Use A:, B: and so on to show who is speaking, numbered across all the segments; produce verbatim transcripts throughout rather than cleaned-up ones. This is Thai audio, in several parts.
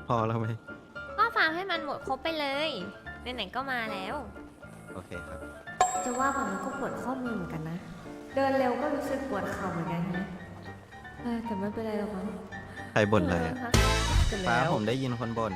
A: พอแล้วไหม
B: ก็ฟาร์มให้มันหมดครบไปเลยไหนๆก็มาแล้ว
A: โอเคครับ
B: จะว่าแบบมันก็ปวดข้อมือเหมือนกันนะ เดินเร็วก็รู้สึกปวดเข่าเหมือนกันนะเออแต่ไม่เป็นไรหรอกมั้ง
A: ใครบ่นอะไรอ่ะ
B: เสร็จ
A: ฟ้า
B: แล้ว
A: ผมได้ยินคนบ่น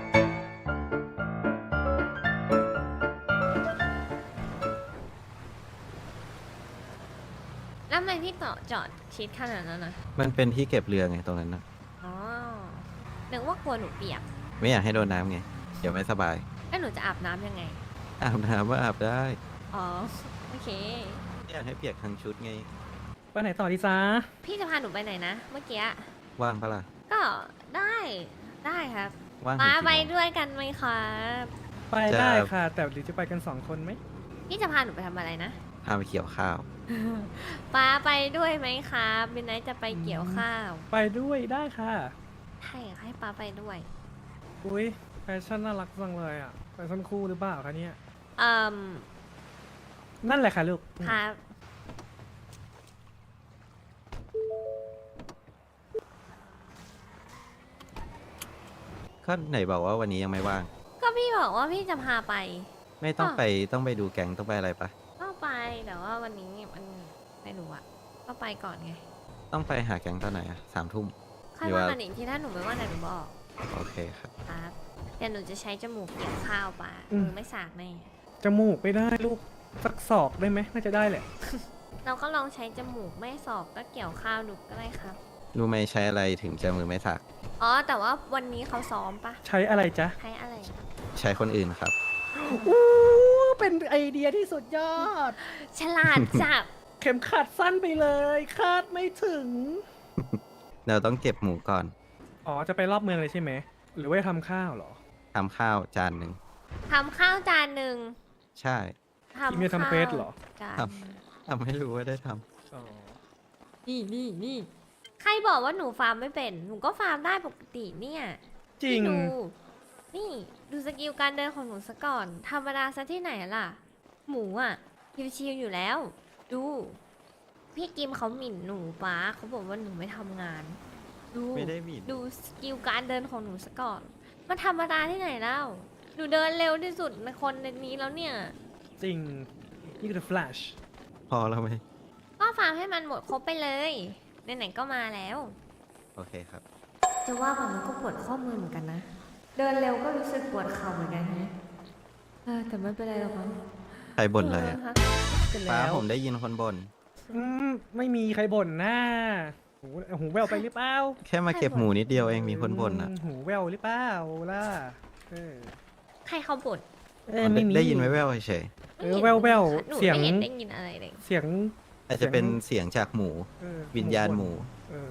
B: แล้วทำไมพี่ต่อจอดชิดขนาดนั้นนะ
A: มันเป็นที่เก็บเรือไงตรงนั้นนะ
B: อ๋อนึกว่ากลัวหนูเปียก
A: ไม่อยากให้โดนน้ำไง เดี๋ยวไม่สบาย
B: แล้วหนูจะอาบน้ำยังไง
A: อาบน้ำว่าอาบได้
B: อ๋อ โอเค
A: ไม่อยากให้เปียกทั้งชุดไง
C: ไปไหนต่อดีจ้า
B: พี่จะพาหนูไปไหนนะ เมื่อกี้
A: ว่างปะล่ะ
B: ก็ได้ได้ครับ
A: ว่างถึ
B: ป้าง
A: กี่
B: ไป
A: โมง
B: ด้วยกันไหมครับ
C: ไปได้ค่ะ แต่หรือจะไปกันสองคนไหม
B: พี่จะพาหนูไปทำอะไรนะ
A: พาไปเกี่ยวข้าว
B: ป้าไปด้วยไหมครับบินไนท์จะไปเกี่ยวข้าว
C: ไปด้วยได้ค่ะ
B: ให้ให้ป้าไปด้วย
C: อุ้ยแฟชั่นน่ารักจังเลยอ่ะแฟชั่นคู่หรือเปล่าคะเนี่ย
B: เอ่ม
C: นั่นแหละค่ะลูก
B: ครับ
A: ก็ไหนบอกว่าวันนี้ยังไม่ว่าง
B: ก็พี่บอกว่าพี่จะพาไป
A: ไม่ต้อง
B: อ่ะ
A: ไปต้องไปดูแก๊งต้องไปอะไรปะ
B: ก็ไปแต่ว่าวันนี้มันไม่รู้อะก็ไปก่อนไง
A: ต้องไปหาแก๊งตอนไหนอะสามทุ่ม
B: ค่อย
A: หรือ
B: ว่า
A: ว่า
B: กันอีกทีถ้าหนูไม่ว่าไหนหนูบอก
A: โอเคครับ
B: ครับเดี๋ยวหนูจะใช้จมูกเกี่ยวข้าวป้ามือไม่สากแน่
C: จมูกไม่ได้ลูก สักศอกได้ไหมน่าจะได้แหละ
B: เราก็ลองใช้จมูกไม่สอบก็เกี่ยวข้าวดูก็ได้ครับ
A: รู้ไหมใช้อะไรถึงจะมือไม่สัก
B: อ๋อแต่ว่าวันนี้เขาซ้อมปะ
C: ใช้อะไรจ๊ะ
B: ใช้อะไร
A: ใช้คนอื่นครับ
C: อู้เป็นไอเดียที่สุดยอด
B: ฉลาดจับ
C: เข็มขัดสั้นไปเลย คาดไม่ถึง
A: เราต้องเก็บหมูก่อน
C: อ๋อ จะไปรอบเมืองเลยใช่ไหม หรือว่าจะทำข้าวเหรอ
A: ทำข้าวจานหนึ่ง
B: ทำข้าวจานหนึ่ง
A: ใช่
B: ทำ
C: อีเมลทำเฟซเหรอ
B: จาน
A: ท ทำให้รู้ว่าได้ท
C: อ๋อ
B: นี่นี่นี่ใครบอกว่าหนูฟาร์มไม่เป็น หนูก็ฟาร์มได้ปกติเนี่ย
C: จริง
B: พี่ดู นี่ดูสกิลการเดินของหนูซะก่อน ธรรมดาซะที่ไหนล่ะ หมูอ่ะชิวๆอยู่แล้ว ดู พี่กิมเขาหมิ่นหนูป้าเขาบอกว่าหนูไม่ทำงาน ดู
A: ำไม่ได้หมิ่น
B: ดูสกิลการเดินของหนูซะก่อน มันธรรมดาที่ไหนเล่า หนูเดินเร็วที่สุดในคนในนี้แล้วเนี่ย
C: จริง นี่คือ Flash
A: พอแล้วไหม
B: ก็ฟาร์มให้มันหมดครบไปเลยไหนๆก็มาแล้ว
A: โอเคครับ
B: จะว่าแบบมันก็ปวดข้อมือเหมือนกันนะ เดินเร็วก็รู้สึกปวดเข่าเหมือนกันนะเออแต่ไม่เป็นไรหรอกมั้ง
A: ใครบ่นอะไรอะ
B: เสร็จ
A: ฟ้า
B: แล้ว
A: ผมได้ยินคนบ่น
C: อืมไม่มีใครบ่นนะหูหูแววไปหรือเปล่า
A: แค่มาเก็บหมูนิดเดียวเองมีคนบ่นอ่ะ
C: อืมหูแววหรือเปล่าล่ะเออ
B: ใครเขาบ่น
C: เออไม่มี
A: ได้ยินแว่วๆเฉย
C: เออแว่วแว่ว
B: หนู
C: เสียง
B: ไม่เห็นได้ยินอะไรเลย
C: เสียง
A: ๆอาจจะเป็นเสียงจากหมู
C: เออ
A: วิญญาณหมู
C: เออ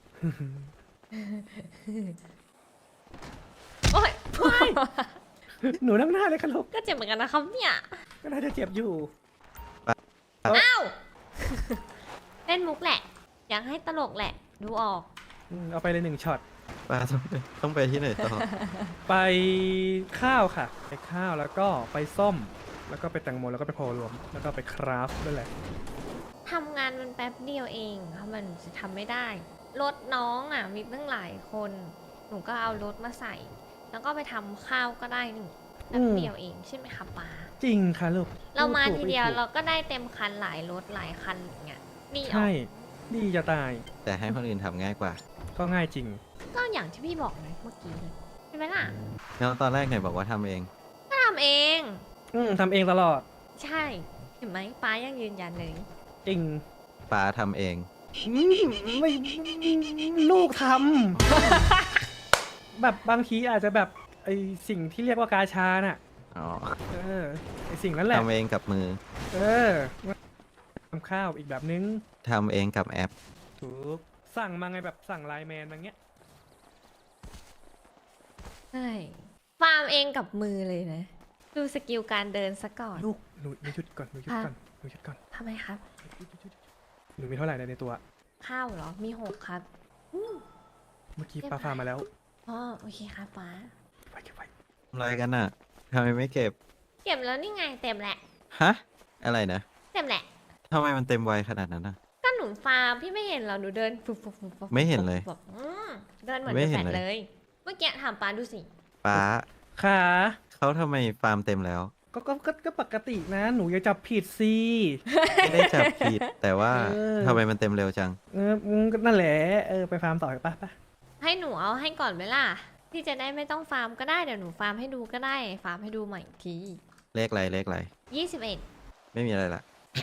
B: โอ๊ย
C: หนูนั่งหน้าเลยค่ะลูก
B: ก็เจ็บเหมือนกันนะครับเนี่ย
C: ก็น่าจะเจ็บอยู่
B: อ้าวเล่นมุกแหละ อยากให้ตลกแหละ ดูออก
C: อืมเอาไปเลยหนึ่งช็อต
A: ป้าต้องไปต้องไปที่ไหนต่อ
C: ไปข้าวค่ะ ไปข้าวแล้วก็ไปส้ม แล้วก็ไปแตงโมแล้วก็ไปโพรวม แล้วก็ไปคราฟด้วยแหละ
B: ทำงานมันแป๊บเดียวเองทำไมหนูจะทำไม่ได้ รถน้องอ่ะ มีตั้งหลายคน หนูก็เอารถมาใส่ แล้วก็ไปทำข้าวก็ได้นี่แป๊บเดียวเองใช่ไหมคะป้า
C: จริงค่ะลูก
B: เรามา
C: พู
B: ที
C: ถูก
B: เดียว
C: ไม่ถูก
B: เราก็ได้เต็มคันหลายรถหลายคันอย่างเงี้ยนี่ออ
C: ใช่
B: ก
C: ดีจะตาย
A: แต่ให้คนอื่นทำง่ายกว่า
C: ก็ง่ายจริง
B: ก็อย่างที่พี่บอกเลยเมื่อกี้เลยใช่ไหมล่ะ
A: แล้วตอนแรกไหนบอกว่าทำเอง
B: ก็ทำเอง
C: อืมทำเองตลอด
B: ใช่เห็นไหมป้ายังยืนยันเลย
C: จริง
A: ป้าทำเอง
C: อืมไม่ลูกทำ แบบบางทีอาจจะแบบไอสิ่งที่เรียกว่ากาชาน่ะ
A: อ๋อ
C: เออไอสิ่งนั้นแหละ
A: ทำเองกับมือ
C: เออทำข้าวอีกแบบนึง
A: ทำเองกับแอป
C: ถูกสั่งมาไงแบบสั่งไลน์แมนอย่างเงี้ย
B: ใช่ฟาร์มเองกับมือเลยนะ ดูสกิลการเดินซะก่อน
C: ลูกหนูหนูหยุดก่อนหนูหยุด
B: อ่ะ
C: ก่อนหนูหยุดก่อน
B: ทำไมครับ
C: หยุดหยุดหยุดหนูมีเท่าไหร่ในตัว
B: ข้าวเหรอ มีหกครับอืม
C: เมื่อกี้ปลาฟาร์มมาแล้ว
B: อ๋อโอเคครับป้า
C: เก็บไว้เก็บไว้
A: ทำอะไรกันน่ะทำไมไม่เก็บ
B: เก็บแล้วนี่ไงเต็มแหละ
A: ฮะ อะไรนะ
B: เต็มแหละ
A: ทำไมมันเต็มไวขนาดนั้นน่ะ
B: ก็หนูฟาร์มพี่ไม่เห็นเหรอหนูเดินฟุบฟุบฟุบฟุบ
A: ไม่เห็นเลย
B: ฟุบฟุบอืมเดินเหมือน
A: ไม่
B: จะ
A: เห็
B: แฟ
A: น
B: ด
A: เลย
B: เลย เมื่อกี้ถามป้าดูสิ
A: ป้า
C: ค่ะ
A: เขาทำไมฟาร์มเต็มแล้ว
C: ก็ก็ก็ก็ปกตินะ หนูอย่าจับผิดสิ
A: ไม่ได้จับผิด แต่ว่า
C: เออ
A: ทำไมมันเต็มเร็วจัง
C: เอออืมก็นั่นแหละเออไปฟาร์มต่อไปปะปะ
B: ให้หนูเอาให้ก่อนไหมล่ะ ที่จะได้ไม่ต้องฟาร์มก็ได้เดี๋ยวหนูฟาร์มให้ดูก็ได้ ฟาร์มให้ดูใหม่อีกที
A: เลขอะไรเลขอะไร
B: ยี่สิบเอ็ด
A: ไม่มีอะไรละ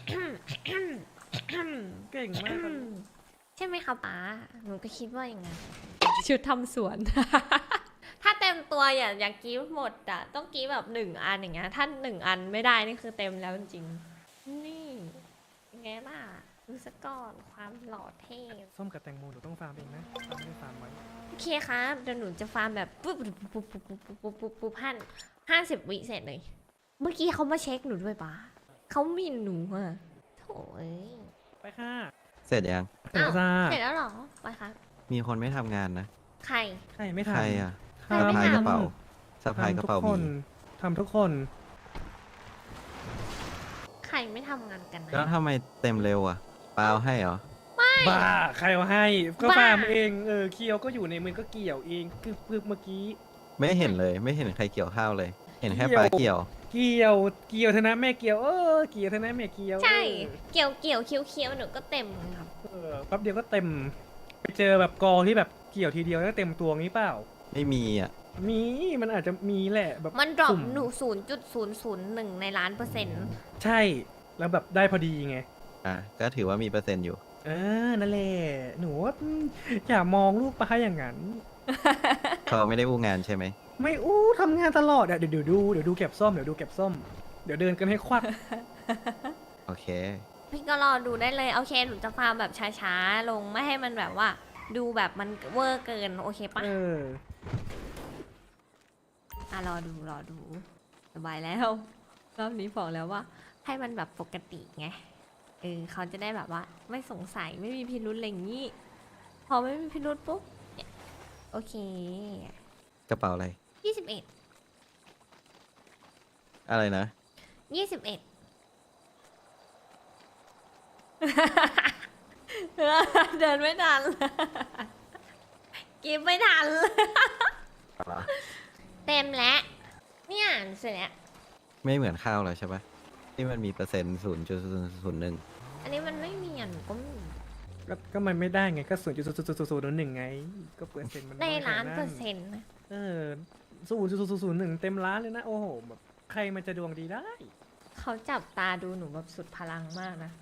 C: เก่งมากครับ
B: ใช่ไหมคะป้า หนูก็คิดว่าอย่างนั้นชุดทำสวน ถ้าเต็มตัวอย่าอย่ากรีฟหมดอ่ะ ต้องกรีฟแบบหนึ่งอันอย่างเงี้ย ถ้าหนึ่งอันไม่ได้นี่คือเต็มแล้วจริงๆนี่ยังไงล่ะดูสกก่อนความหล่อเท่
C: ส้มกับแตงโมหนูต้องฟาร์มเองนะฟาร์มไม่ได้ฟาร์มไว้
B: โอเคครับเดี๋ยวหนูจะฟาร์มแบบปุ๊บปุ๊บปุ๊บปุ๊บปุ๊บปุ๊บปุ๊บปุ๊บห้าห้าสิบวิเสร็จเลย เมื่อกี้เขามาเช็คหนูด้วยป้าเขาหมินหนูอะโถ่เอ้ย
C: ไปค่ะ
A: เสร็จยัง
C: เสร็จแล้วจ้า
B: เสร็จแล้วเหรอไปครับ
A: มีคนไม่ทำงานนะ
B: ใคร
C: ใช่ไม่
A: ใคร
C: ทำ
A: อ่ะ
B: ใครไม่
A: สะพาย
B: ทำ
A: กระเป๋าสะพายกระ
C: ทำทุก
A: เป๋า
C: ค
A: มี
C: นทำทุกคน
B: ใครไม่ทำงานกันนะ
A: แล้วทำไมเต็มเร็วอ่ะเปล่าให้เหรอ
C: บ้าใครเอาให้ก็
B: บ้า
C: ฟาร์มเองเออเคียวก็อยู่ในมือก็เกี่ยวเองคือคือเมื่อกี้
A: ไม่เห็นเลย ไม่เห็นใครเกี่ยวข้าวเลย เห็นแค่
C: เกี่ยว
A: ปลาเกี่ยว
C: เกี่ยวเกี่ยวเท่านั้นแม่เกี่ยวเออเกี่ยวเท่านั้นแม่เกี่ยว
B: ใช่ เกี่ยวเกี่ยวเคี้ยวเคี้ยวหนูก็เต็มครับ
C: เออแป๊บเดียวก็เต็ม ไปเจอแบบกองที่แบบเกี่ยวทีเดียวแล้วเต็มตัวงี้เปล่า
A: ไม่มีอ่ะ
C: มีมันอาจจะมีแหละแบบ
B: มันดรอป
C: สุ่
B: หนูศูนย์จุดศูนย์ศูนย์หนึ่งในล้านเปอร์เซ็นต์
C: ใช่แล้วแบบได้พอดีไง
A: อ่ะก็ถือว่ามีเปอร์เซ็นต์อยู่
C: เออนั่นแหละหนูว่าอืมอย่ามองลูกปลาอย่างนั้น
A: เขาไม่ได้อู้งานใช่ไหม
C: ไม่อู้ทำงานตลอดอะเดี๋ยวเดี๋ยวดูเดี๋ยวดูเก็บส้มเดี๋ยวดูเก็บส้มเดี๋ยวเดินกันให้ควัก
A: โอเค
B: พี่ก็รอดูได้เลยโอเคหนูจะฟาร์มแบบช้าๆลงไม่ให้มันแบบว่า ดูแบบมันเวอร์เกินโอเคปะ
C: เออ
B: อ่ะรอดูรอดูสบายแล้ว รอบนี้บอกแล้วว่า ให้มันแบบปกติไงเออเขาจะได้แบบว่า ไม่สงสัยไม่มีพิรุธอะไรอย่างนี้ พอไม่มีพิรุธปุ๊บเนี่ยโอเค
A: กระเป๋าอะไร
B: ยี่สิบเอ็ด
A: อะไรนะ
B: ยี่สิบเอ็ด เดินไม่ทัน กินไม่ทัน เต็มแล้วเนี่ยเสร็จแล้ว
A: ไม่เหมือนข้าวแล้วใช่ปะที่มันมีเปอร์เซ็นต์ศูนย์จุดศูนย์หนึ่ง
B: อันนี้มันไม่มีอ่ะหนูก็ไม่มี
C: ก็ก็มันไม่ได้ไงก็ศูนย์จุดศูนย์ศูนย์ศูนย์หนึ่งไง ก็เปอร์เซ็นต์มัน
B: ใน
C: อยกว่
B: ล้านเปอร์เซ็นต์นะ
C: เออศูนย์จุดศูนย์ศูนย์หนึ่งเต็มล้านเลยนะ โอ้โหแบบใครมันจะดวงดีได้
B: เขาจับตาดูหนูแบบสุดพลังมากนะ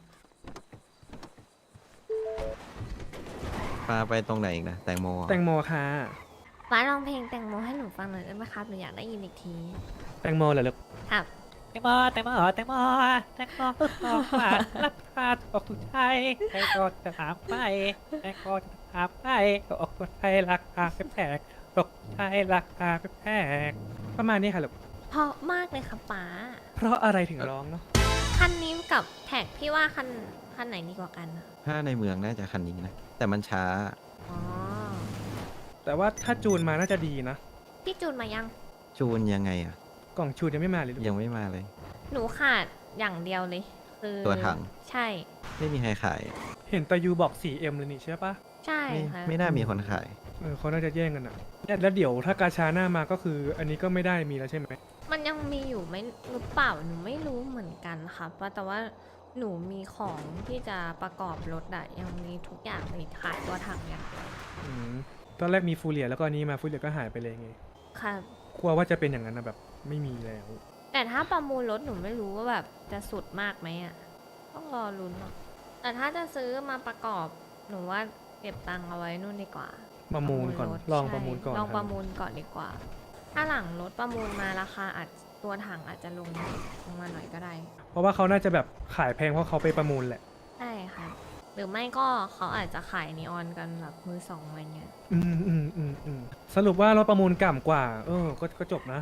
A: ปลาไปตรงไหนอีกนะ แตงโมเหรอ
C: แตงโมค่ะ
B: ฟ้าลองเพลงแตงโมให้หนูฟังหน่อยได้ไหมครับหนูอยากได้ยินอีกที
C: แตงโมเหรอลูก
B: ครับ
C: แตงโมแตงโมแตงโมแตงโมออกมารับพาออกถูกใจแตงโมจะถามไปแตงโมจะถามไปออกถูกใจราคาแพงตกใจราคาแพงประมาณนี้ค่ะลูก
B: เพราะมากเลยค่ะป๊า
C: เพราะอะไรถึงร้องเนาะ
B: คันนี้กับแท็กพี่ว่าคันคันไหนดีกว่ากันอะ
A: ถ้าในเมืองน่าจะคันนี้นะ แต่มันช้า
B: อ๋อ
C: แต่ว่าถ้าจูนมาน่าจะดีนะ
B: พี่จูนมายัง
A: จูนยังไงอ่ะ
C: กล่องจูนยังไม่มาเลยลูก
A: ยังไม่มาเลย
B: หนูขาดอย่างเดียวเลย คือ
A: ตัวถัง
B: ใช่
A: ไม่มีใครขาย
C: เห็นตายูบอก สี่เอ็ม เลยนี่ใช่ปะ
B: ใช่
A: ไม่
B: ค่ะ
A: ไม่น่ามีคนขาย
C: เออเขาน่าจะแย่งกันอ่ะเนี่ยแล้วเดี๋ยวถ้ากาชาหน้ามาก็คือ อันนี้ก็ไม่ได้มีแล้วใช่ไหม
B: มันยังมีอยู่ไหมหรือเปล่าหนูไม่รู้เหมือนกันค่ะเพราะแต่ว่าหนูมีของที่จะประกอบรถอะยังมีทุกอย่างเลยขายตัวถังอย่างเดียว
C: อืมตอนแรกมีฟูเรียแล้วก็อันนี้มาฟูเรียก็หายไปเลยไง
B: ค่ะ
C: กลัวว่าจะเป็นอย่างนั้นนะแบบไม่มีแล้ว
B: แต่ถ้าประมูลรถหนูไม่รู้ว่าแบบจะสุดมากไหมอะต้องรอลุ้นอะแต่ถ้าจะซื้อมาประกอบหนูว่าเก็บตังค์เอาไว้นู่นดีกว่า
C: ประมูลก่อน
B: ถ
C: ลอง
B: ใช่
C: ประมูลก่อน
B: ลอง
C: ค
B: ป
C: รับ
B: ระมูลก่อนดีกว่า ถ้าหลังรถประมูลมาราคาอาจตัวถังอาจจะลงลงมาหน่อยก็ได้
C: เพราะว่าเขาน่าจะแบบขายแพงเพราะเขาไปประมูลแหละ
B: ใช่ค่ะ หรือไม่ก็เขาอาจจะขายนีออนกันแบบมือสองอะไรเงี้ย
C: อืมอืมอืมอืมสรุปว่าเราประมูลก่ำกว่า เออ ก็ก็จบนะ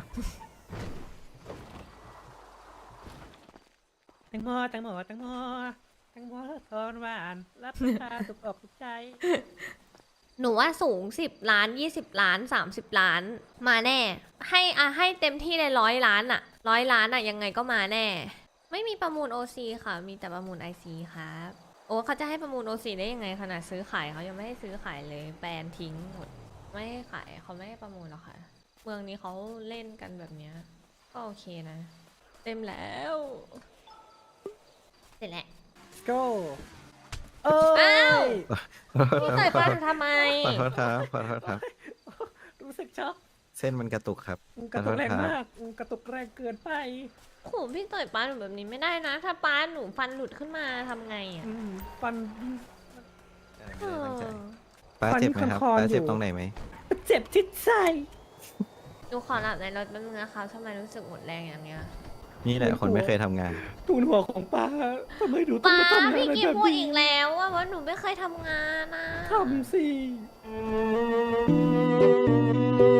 C: แตงโมแตงโมแตงโมแตงโมทอนหวานรับประทานถูกอกถูกใจ
B: หนูว่าสูงสิบล้านยี่สิบล้านสามสิบล้านมาแน่ ให้อะให้เต็มที่เลยร้อยล้านอะร้อยล้านอะยังไงก็มาแน่ ไม่มีประมูล โอ ซี ค่ะ มีแต่ประมูล ไอ ซี ครับโอ้เขาจะให้ประมูล โอ ซี ได้ยังไงขนาดซื้อขายเขายังไม่ให้ซื้อขายเลยแบนทิ้งหมดไม่ให้ขายเขาไม่ให้ประมูลหรอกค่ะ เมืองนี้เขาเล่นกันแบบเนี้ยก็โอเคนะ เต็มแล้ว เสร็จแล้ว
C: go เอ้
B: อ้าว
C: ย
B: พี่ต่อยป้าหนูทำไม
A: ขอโทษครับขอโทษครับ
C: รู้สึกช็อก
A: เส้นมันกระตุกครับ
C: กระตุกแรง
A: ขอโทษคบ
C: มากกระตุกแรงเกินไป
B: โหพี่ต่อยป้าหนูแบบนี้ไม่ได้นะ ถ้าป้าหนูฟันหลุดขึ้นมาทำไงอ่ะ
C: อืมฟัน
A: เออไม่ได้ตั้งใจ
B: เออ
A: ป้าเจ็บไหมครับ
C: ฟันมีคอนๆ
A: ป้าเจ็บ
C: อยู่
A: ตรงไหนไหม
C: เจ็บที่ใจ
B: หนูขอหลับในรถแป๊บนึงนะคะทำไมรู้สึกหมดแรงอย่างเนี้ย
A: นี่แหละคนไม่เคยทำงาน
C: ทูนหัวของป้าทำไมดูต้อง
B: ป้า
C: มาทำงาน
B: พี่
C: อะไร
B: กิ
C: แบ
B: ม
C: บ
B: พูด
C: นี้
B: อีกแล้วว่าว่าหนูไม่เคยทำงานนะ
C: ทำสิ